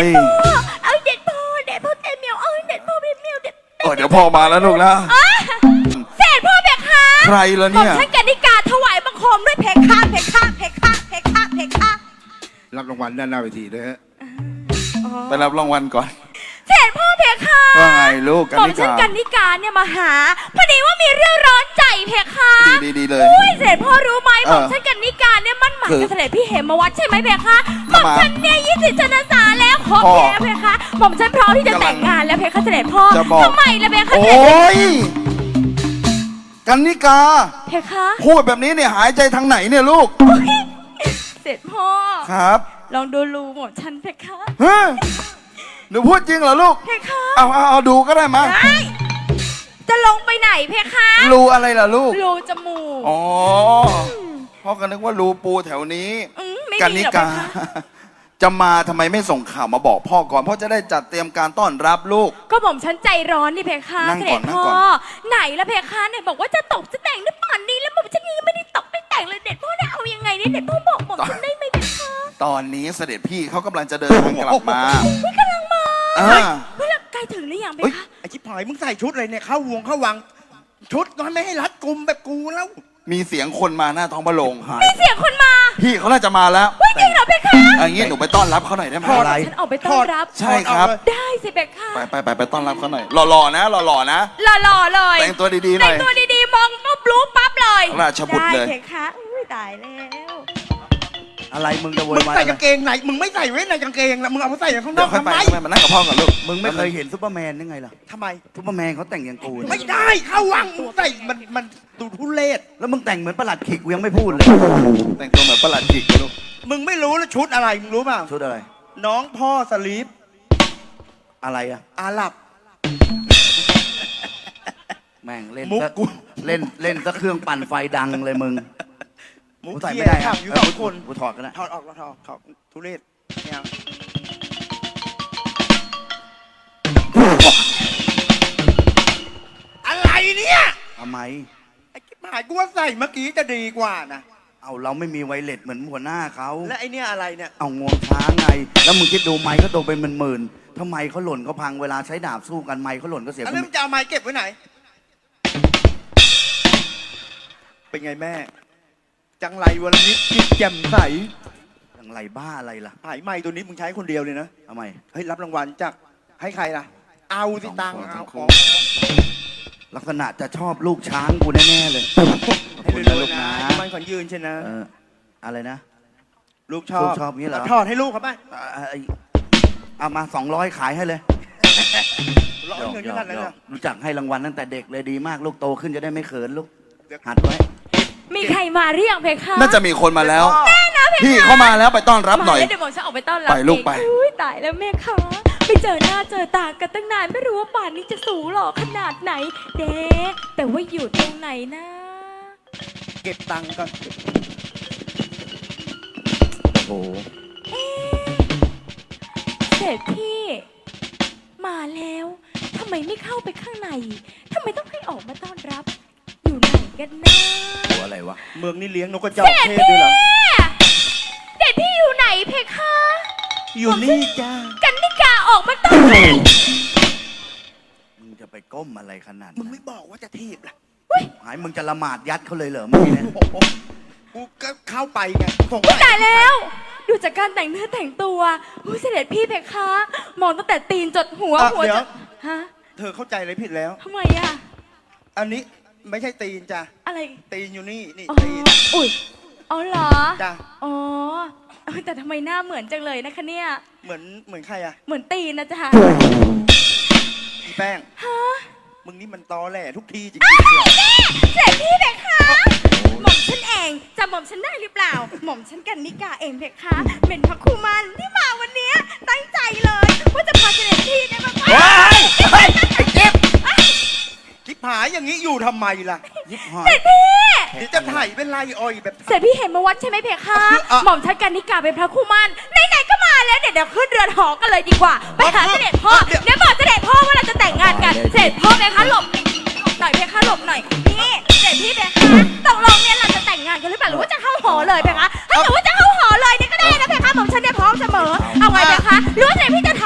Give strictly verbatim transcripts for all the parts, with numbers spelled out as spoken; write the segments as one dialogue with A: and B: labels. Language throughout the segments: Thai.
A: ย
B: เอาเด็ดพ่อเด็ดพ่อเต็มเหมียวเอาเด็ดพ่อเต็มเหมียวเด็ด
A: โอ้เดี๋ยวพ่อมาแล้วลูกนะ
B: เสร็จพ่อเพคะ
A: ใครล่ะเนี่ย
B: ผมใช้กนิกาถวายบังคมด้วยเพคะเพคะเพคะเพคะเพคะ
C: รับรางวัลด้านหน้าเวทีด้วยฮะ
A: ไปรับรางวัลก่อน
B: เสร็จพ่อเพคะ
A: ว่าไงลูกกัน
B: ผม
A: นิ
B: ใช้
A: กาก
B: นิกาเนี่ยมาหาพอดีว่ามีเรื่องร้อนใจเพคะ
A: ดีดีเลย
B: อุ้ยเสร็จพ่อรู้ไหม
A: เอ
B: ผ
A: อ
B: มใช้กนิกาเนี่ยมั่นหมาย
A: คือ
B: กับเสด็จพี่เหมวัดใช่ไหมเพคะผ
A: ทำ
B: ม
A: ไม
B: ฉันเนี่ยยี่สิบชนสาแล้วขอ
A: พ่อ
B: แพ้เพคะผมฉันพร้อมที่จะแต่งงานแล้วเพคะเสด็จพ่อ
A: จะบอก
B: ทำไมล่ะเพคะ
A: โอ
B: เสด็จ
A: ้ยกันนิกา
B: เพคะ
A: พูดแบบนี้เนี่ยหายใจทางไหนเนี่ยลูก
B: เสร็จพ่อ
A: ครับ
B: ลองดูรูหมดฉันเพคะ
A: เฮ้ยหนูพูดจริงเหรอลูก
B: เพคะ
A: เอาเอาเอาดูก็ได้มา
B: ได้จะลงไปไหนเพคะ
A: รูอะไรล่ะลูก
B: รูจมูก
A: อ๋อพ่อก็นึกว่ารูปูแถวนี้
B: อืมไม่
A: กัน
B: มี
A: นิ
B: หรอกเพ
A: กา
B: คะ
A: จะมาทำไมไม่ส่งข่าวมาบอกพ่อก่อนพ่อจะได้จัดเตรียมการต้อนรับลูก
B: ก็ผมฉันใจร้อนนี่เพคะ
A: นั่ง
B: เส
A: ก่
B: ด็
A: อน
B: จ
A: นั่ง
B: พ่อ
A: ก่อน
B: ไหนละเพคะเนี่ยบอกว่าจะตกจะแต่งได้ป่านนี้แล้วผมฉันยังไม่ได้ตกไม่แต่งเลยเด็ดพ่อเนี่ยเอายังไงเนี่ยเด็ดพ่อบอกผมฉันได้ไหมเพคะ
A: ตอนนี้เสด็จพี่เขากำลังจะเดินทางกลับมา
B: ไม่กำลังมา
A: อ่า
B: เฮ้ยแล้วใกล้ถึงหรือยังเพ
A: เฮ้ย
B: คะ
C: ไอ้ชิบหายมึงใส่ชุดอะไรเนี่ยเข้าวงเข้าวัง ชุดก็ไม่ให้รัดกุมแบบกูแล้ว
A: มีเสียงคนมาหน้าท้องพระโรง
B: มีเสียงคนมา
A: พี่เขาน่าจะมาแล้ว
B: เฮ้ยจริงเหรอเพคะ
A: อย่างงี้หนูไปต้อนรับเขาหน่อยได้ไหม
C: อะไร
B: ฉันออกไปต้อนรับ
A: ใช่ครับ
B: ได้สิเพคะ
A: ไปไปไปไปต้อนรับเขาหน่อยหล่อๆนะหล่อๆนะ
B: หล่อๆเลย
A: แต่งตัวดีๆหน่
B: แต่
A: อง ย
B: ตัวดีๆมองปุ๊บรู้ปั๊บเลย
A: ราชบุตรเลย
B: ได้เพคะอุ้ยตายแล้ว
D: อะไรมึงจะโว
C: มึ
D: ย
C: ง
D: วาย
C: ใส่
D: อะไร
C: กางเกงไหน มึงไม่ใส่ไว้ในกางเกงนะมึงเอาไปใส่ข้างน
A: เดี๋ย
C: อ
A: ว
C: ก
A: ค่อย
C: ทำ
A: ไป
C: ไม
A: มานั่งกับพ่อก่อนลูก
D: มึงไม่เคยเห็นซูเปอร์แมนยังไงล่ะ
C: ทำไม
D: ซูเปอร์แมนเขาแต่งอย่างกู
C: ไม่
D: เนี่ย
C: ได้เข้าวังมึงใส่มันมันดูทุเรศ
D: แล้วมึงแต่งเหมือนประหลัดขิกกูยังไม่พูดเลย
A: แต่งตัวเหมือนประหลัดขิกเลยลูก
C: มึงไม่รู้แล้วชุดอะไรมึงรู้เปล่า
D: ชุดอะไร
C: น้องพ่อสลีป
D: อะไรอะ
C: อาหรับ
D: แม่งเล่น
C: มุก
D: ซะ
C: กู
D: เล่นเล่นซะเครื่องปั่นไฟดังเลยมึง
C: มุก
D: กูใส่
C: เทีย
D: ไม่ได้
C: ขั
D: อะ
C: บอยู่สองคน
D: กูถอดกันนะ
C: ถอดออกถอดออกถอดทุเรศไม่เอาอะไรเนี่ย
D: ทำไม
C: ไอ้กิ๊บหายกูว่าใส่เมื่อกี้จะดีกว่านะ
D: เอาเราไม่มีไวเลสเหมือนหัวหน้าเขา
C: และไอเนี่ยอะไรเนี่ย
D: เอางวงช้างไง แล้วมึงคิดดูไม้เขาโตเป็นหมื่นๆทำไมเขาหล่นเขาพังเวลาใช้ดาบสู้กันไม้เขาหล่นก็เสีย
C: อัน
D: กู
C: นั้นมึงจะเอาไม้เก็บไว้ไหน เป็นไงแม่ จังไรวันนี้จิตแจ่มใส
D: อย่างไรบ้าอะไรล่ะ
C: หายไม้ตัวนี้มึงใช้คนเดียวเลยนะ
D: ทำไม
C: เฮ้ยรับรางวัลจากให้ใครล่ะ เอาสิตังค์เอาของ
D: ลักษณะจะชอบลูกช้างกูแน่ๆเลยขอบ
C: ให้
D: คุณ
C: ดู
D: นะลูก
C: นะ
D: นะ
C: มันขอนยืนใช่นะ
D: เอออะไรนะ
C: ลูกชอบ
D: ลูกชอบงี้เหรอ
C: ทอดให้ลูกครับไป
D: อ่าไอ้เอามาสองร้อยขายให้เลย
C: ร้อยเงินขนาดนั้นเลย
D: รู้จักให้รางวัลตั้งแต่เด็กเลยดีมาก ลูกโตขึ้นจะได้ไม่เขินลูก หัดไว้
B: มีใครมาหรือยังเพคะ
A: น่าจะมีคนมาแล้ว
B: แน่นะเพคะ
A: พี่เข้ามาแล้วไปต้อนรับหน่อย
B: มาแล้วเดี๋ยวผมจะออกไปต้อนรับ
A: ไปลูกไป
B: เองอุ้ยตายแล้วแม่คะไปเจอหน้าเจอตากันตั้งนานไม่รู้ว่าป่านนี้จะสูงหล่อขนาดไหนเด้แต่ว่าอยู่ตรงไหนนะ
C: เก็บตังค์ก่อน
D: โอ้โห
B: เสร็จพี่มาแล้วทำไมไม่เข้าไปข้างในทำไมต้องให้ออกมาต้อนรับ อยู่ไหนกันนะ
D: ตัวอะไรวะ
C: เมืองนี้เลี้ยงนกกระจอกเทศด้วยเหรอ
B: เด็ดพี่อยู่ไหนเพคะ
C: อยู่นี่จ้า
B: กันนิกาออกมาต้อนรับ
D: มึงจะไปก้มอะไรขนาด
C: มึง
D: นั้น
C: ไม่บอกว่าจะทีบล่ะ
D: หายมึงจะละหมาดยัดเขาเลยเหรอเมื่อกี้เนี่ย
C: โอ้โหกูก็เข้าไปไงส่ง
B: อุ๊ยตายแล้ว ดูจากการแต่งเนื้อแต่งตัวอุ้ยเสด็จพี่เพคะ มองตั้งแต่ตีนจดหัว
C: อ่ะ
B: หัว
C: เดี๋
B: จ
C: ยว
B: ดฮะ
C: เธอเข้าใจอะไรผิดแล้ว
B: ทำไมอะ
C: อันนี้ไม่ใช่ตีนจ้ะ
B: อะไร
C: ตีนอยู่นี่ นี่
B: อ๋อ
C: ตีน
B: อุ้ยอ๋อเหรอ
C: จ้ะ
B: อ๋อเอ้ยแต่ทำไมหน้าเหมือนจังเลยนะคะเนี่ย
C: เหมือนเหมือนใครอะ
B: เหมือนตีนนะจ๊ะ
C: อีแป้ง
B: ฮะ
C: มึงนี่มันตอแหลทุกทีจริงๆเลย
B: เสด็จพี่เพคะ หม่อมฉันเองจำหม่อมฉันได้หรือเปล่า หม่อมฉันกันนิกาเองเพคะ เป็นพระครูมันที่มาวันเนี้ยตั้งใจเลยว่าจะพาเสด็จพี่เนี่ยมา
C: เฮ้ยไอ้เจ็บคิดหายอย่างนี้อยู่ทำไมล่ะ
D: ยิบหอ
B: เส
D: ย
B: ด็จพี่
C: เดี๋ยวจะถ่ายเป็นไรอ้อยแบบ
B: เสด็จพี่เห็นมาวัดใช่ไหมเพคะ
C: อ่ะ
B: หม่อมฉันกันนิกาเป็นพระครูมันไหนๆก็มาแล้วเดี๋ยวเดี๋ยวขึ้นเรือนหอกันเลยดีกว่า ไปหาเสด็จพ่อ เดี๋ยวบอกเสด็จพ่อว่าเราจะแต่งงานกัน เสด็จพ่อเพคะหลบหน่อยเพคะหลบหน่อย นี่เสด็จพี่เพคะตกลงเนี่ยเราจะแต่งงานกันหรือเปล่าหรือว่าจะเข้าหอเลยเพคะถ้าเกิดว่าจะเข้าหอเลยเนี่ยก็ได้นะเพคะหม่อมฉันเนี่ยพร้อมเสมอ เอาไงเพคะหรือว่าเสด็จพี่จะ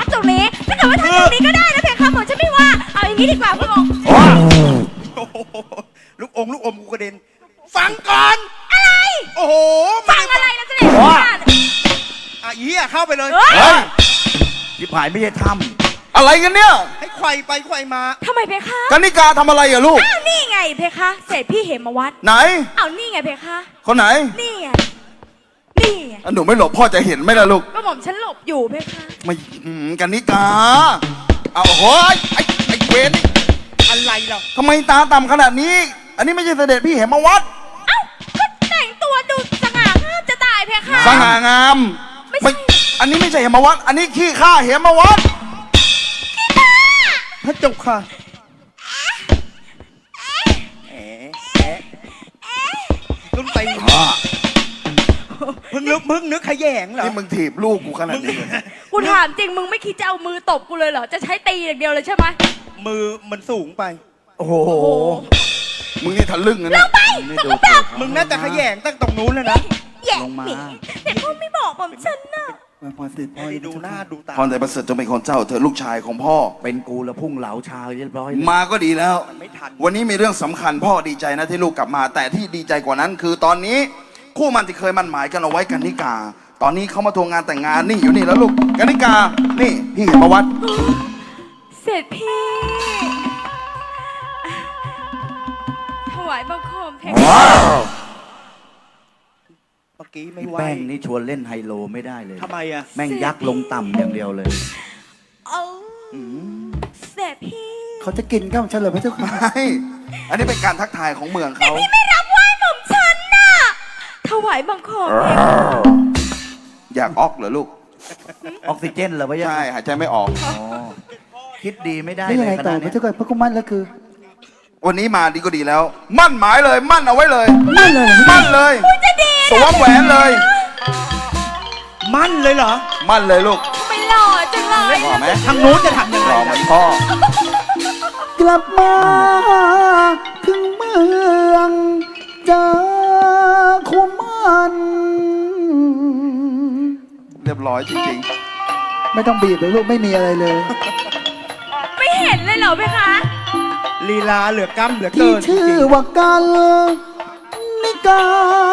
C: อีเหี้ยเข้าไปเลย
B: เฮ้ย
A: เฮ้ย
D: ที่ผายไม่ใช่ถ้
A: อะไรกันเนี่ย
C: ให้ไขว่ไปไขว่มา
B: ทำไมเพคะ
A: กันิกาทำอะไรอะลูก
B: อ้าวนี่ไงเพคะ เสร็จพี่เหมวัด
A: ไหน
B: อ้าวนี่ไงเพคะ
A: คนไหน
B: นี่ไง นี่ไง
A: อ่ะหนูไม่หลบพ่อจะเห็นไหมล่ะลูก
B: ก็หม่อมฉันหลบอยู่เพคะ
A: ไม่อืมกันิกา เอาโอ้ยไอ้ไอ้เวนนี่
C: อะไรเรา
A: ทำไมตาต่ำขนาดนี้ อันนี้ไม่ใช่เสด็จพี่เหมวัด
B: เอ้าก็แต่งตัวดูสง่างามจะตายเพคะ
A: สง่างาม
B: ไม่ใช่
A: อันนี้ไม่ใช่เหมวัด อันนี้ขี้ข้าเหมวัด
C: พระเจ้าค่ะแอะแอะขึ้นไปมึงนึกมึงนึกขยงเหรอ
A: นี่มึงถีบลูกกูขนาดนี้เลย
B: กูถามจริงมึงไม่คิดจะเอามือตบกูเลยเหรอ จะใช้ตีอย่างเดียวเลยใช่ไหม
C: มือมันสูงไป
D: ำโอ้โห
B: โอ้โห
A: มึงนี่ทะลึ่งนะ
B: ล
A: เนี่ย
B: งไป
D: ไม่
B: ส
D: ดู
B: กปรก
C: มึงน่าจะขยงตั้งตรงนู้นเลยนะ
B: แย่
D: ลงมา
B: หมีแต่พ่อไม่บอกผมฉันน่ะ
C: พอสิพอดูหน้าดูตา
A: พรแต่ประเสริฐจงเป็นของเจ้าเธอลูกชายของพ่อ
D: เป็นกูแล้วพุ่งเหลาชาเรียบร้อย
A: มาก็ดีแล้ว
C: มันไม่ทัน
A: วันนี้มีเรื่องสำคัญพ่อดีใจนะที่ลูกกลับมา แต่ที่ดีใจกว่านั้น คือตอนนี้คู่มันที่เคยมั่นหมายกันเอาไว้กันนิกา ตอนนี้เขามาทวงงานแต่งงานนี่อยู่นี่แล้วลูกกันนิกา นี่พี่เห็นประวัติ
B: เสร็จพี่ถวายบังคมเพคะ
C: เมื่อกี้ไม่ไหว
D: แป้งนี่ชวนเล่นไฮโลไม่ได้เลย
C: ทำไมอะ
D: แม่งยักลงต่ำอย่างเดียวเลย
B: เอาเสร็จพี่
C: เขาจะกินข้าวฉันเลยพระเจ้าค่ะ
A: ไม่อันนี้เป็นการทักทายของเมืองเขา
B: พี่ไม่รับไหว้หม่อมฉันน่ะถวายบังคมเพคะ
A: อยากออกเหรอลูก
D: ออกซิเจนเหรอพะยะ
A: ใช่หายใจไม่ออก
D: อ๋อคิดดีไม่ได้
E: นี่
D: เล
E: ยัง
D: ย
E: ไง
D: ค
E: ต่อ
D: ณะ
E: พระ
D: เนี้ย
E: เจ้าค่ะพระกุมันแล้วคือ
A: วันนี้มาดีก็ดีแล้ว มั่นหมายเลยมั่นเอาไว้เลย
E: มั่นเลยเหรอ
A: มั่นเลย
B: จะดี
A: สวมแหวนเลย
C: มั่นเลยเหรอ
A: มั่นเลยลูก
B: ไม่หล่อจังเลย
A: หล่อไหม
C: ทางนู้นจะทำยังไง
A: หล่อเหมื
C: ล่ะ
A: อนพ่อ
E: กลับมาถึงเมืองเจอคุมัน
A: เรียบร้อยจริง
E: ไม่ต้องบีบเลยลูกไม่มีอะไรเลย
B: ไม่เห็นเลยเหรอเพคะ
C: ลีลาเหลือกล้ำเหลือ
E: ที่
C: เกินจ
E: ชื่อ
C: ริง
E: ว่ากันนิกา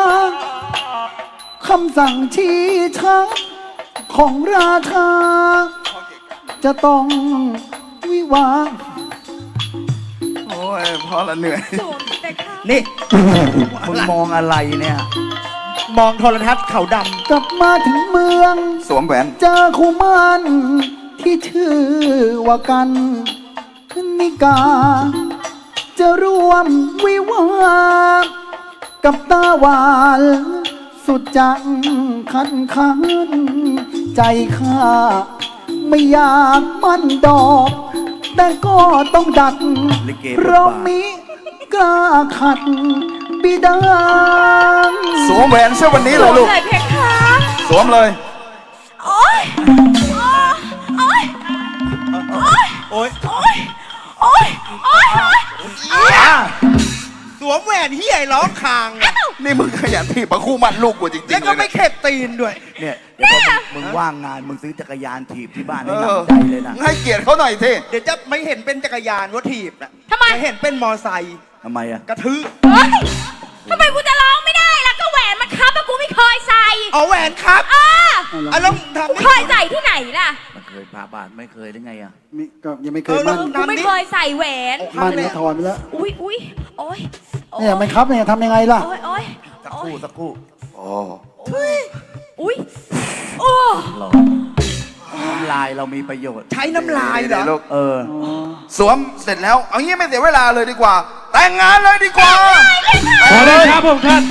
E: คำสั่งชี้ชักของราชา จะต้องวิวาห์
A: ๆ โอ้ยพ่อละเหนื่อย
B: สวมเพคะ
C: ๆนี่
D: มึงมองอะไรเนี่ย
C: มองโทรทัศน์เขาด
E: กลับมาถึงเมือง
A: สวมแหวน
E: เจอคุมันที่ชื่อว่ากันนิกา จะร่วมวิวาห์กับตาหวานสุดจังคันคันใจข้าไม่อยากมันดอก แต่ก็ต้องดัด
D: ลิเก
E: เพราะมิกล้าขัดบิดา
A: สวมแหวนเชื่อวันนี้เลยลูก
B: เลยเพคะ
A: สวมเลย
B: โอ๊ยโอ๊ยโอ๊ย
C: ำโอ๊ย
B: โอ๊ยโอ๊ยโอ๊ยโอ๊ย
C: สวมแหวนเฮียร้องคางอะ
A: นี่มึงขยันถีบประคู่มันลูกกูจริงๆ
C: แล้วก็
A: เลย
C: ไม่
A: นะ
C: เข็ดตีนด้วย
D: เนี่ยเดี๋ยวพอมึงมึงว่างงานมึงซื้อจักรยานถีบที่บ้าน
A: เอ
D: ให้
A: อ
D: หนำใจเลยนะ
A: ให้เกียรติเขาหน่อยสิ
C: เดี๋ยวจะไม่เห็นเป็นจักรยานว่าถีบนะ
B: ทำไม
C: จะเห็นเป็นมอไซค์
D: ทำไมอะ
C: กระทืบ
B: เฮ้ยทำไมกูจะร้องไม่ได้ล่ะก็แหวนมันคับแล้วกูไม่เคยใส่
C: เอาแหวนครับ
B: อ่า
C: อ่ะแล้วทำ
B: กูเคยใส่ที่ไหนล่ะ
D: มันเคยพาบาทไม่เคยได้ไงอะ
E: มิก็ยังไม่เค
C: เอย อแล้ว
E: มั่น
B: กูไม่เคยใส่แหวน
E: มั่นก็ถอนไปแล้ว
B: อุ้ยอุ้ยโอ๊ยโอ๊
E: เนี่ยมันครับเนี่ยทำยังไงล่ะ
B: โอ๊ยโอ๊ย
D: สัก
B: โอ๊
D: ครู่
B: ย
D: สักครู่
A: โอ้
B: อุ้ยโอ้
D: รอน้ำลายเรามีประโยชน์
C: ใช้น้ำลายเหรอ
A: ลูก
D: เออ
A: สวมเสร็จแล้ว เอางี้ไม่เสียเวลาเลยดีกว่า แต่งงานเลยดีกว่า
F: ขอเลยครับผมท่าน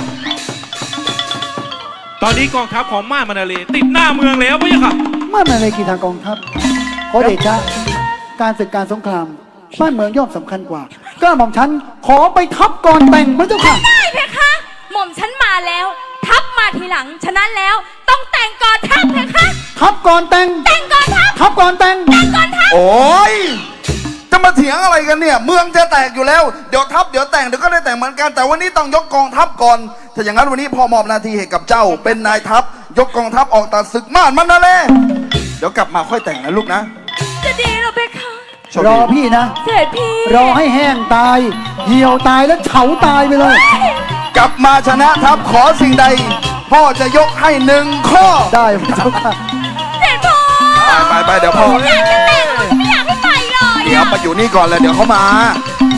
F: ตอนนี้กองทัพของม่านมานาเลติดหน้าเมืองแล้วพะยะค่ะ
E: มั่นอะไรกี่ทางกองทัพขอเดชะการศึกการสงครามบ้านเมืองย่อมสำคัญกว่า ก็หม่อมฉันขอไปทับก่อนแต่งพระเจ้าค่ะ
B: ได้เพคะ หม่อมฉันมาแล้ว ทับมาทีหลัง ฉะนั้นแล้วต้องแต่งก่อนทับเพคะ
E: ทับก่อนแต่ง
B: แต่งก่อนทับ
E: ทับก่อนแต่ง
B: แต่งก่อนทับ
A: โอ้ยจะมาเถียงอะไรกันเนี่ย เมืองจะแตกอยู่แล้ว เดี๋ยวทัพเดี๋ยวแต่งเดี๋ยวก็ได้แต่งเหมือนกัน แต่วันนี้ต้องยกกองทัพก่อน ถ้าอย่างนั้นวันนี้พ่อมอบหน้าที่ให้กับเจ้า เป็นนายทัพ ยกกองทัพออกตัดศึกม่านมันนะเลยเดี๋ยวกลับมาค่อยแต่งนะลูกนะ
B: จะดีเหรอเพคะ
A: โชค
E: ร
A: ดี
E: อพี่นะ
B: เสร็จพี่
E: รอให้แห้งตาย เหี่ยวตายแล้วเฉาตายไปเลย
A: กลับมาชนะทัพขอสิ่งใดพ่อจะยกให้หนึ่งข้อ
E: ได้พระเจ้าค่ะ
B: เสด็จพ่อ
A: ไปไปไปเดี๋ยวพ่อ
B: อยากจะแต่งไม่อยากให้ไปเลย
A: เดี๋ยวมาอยู่นี่ก่อนเลยเดี๋ยวเขามา
B: เ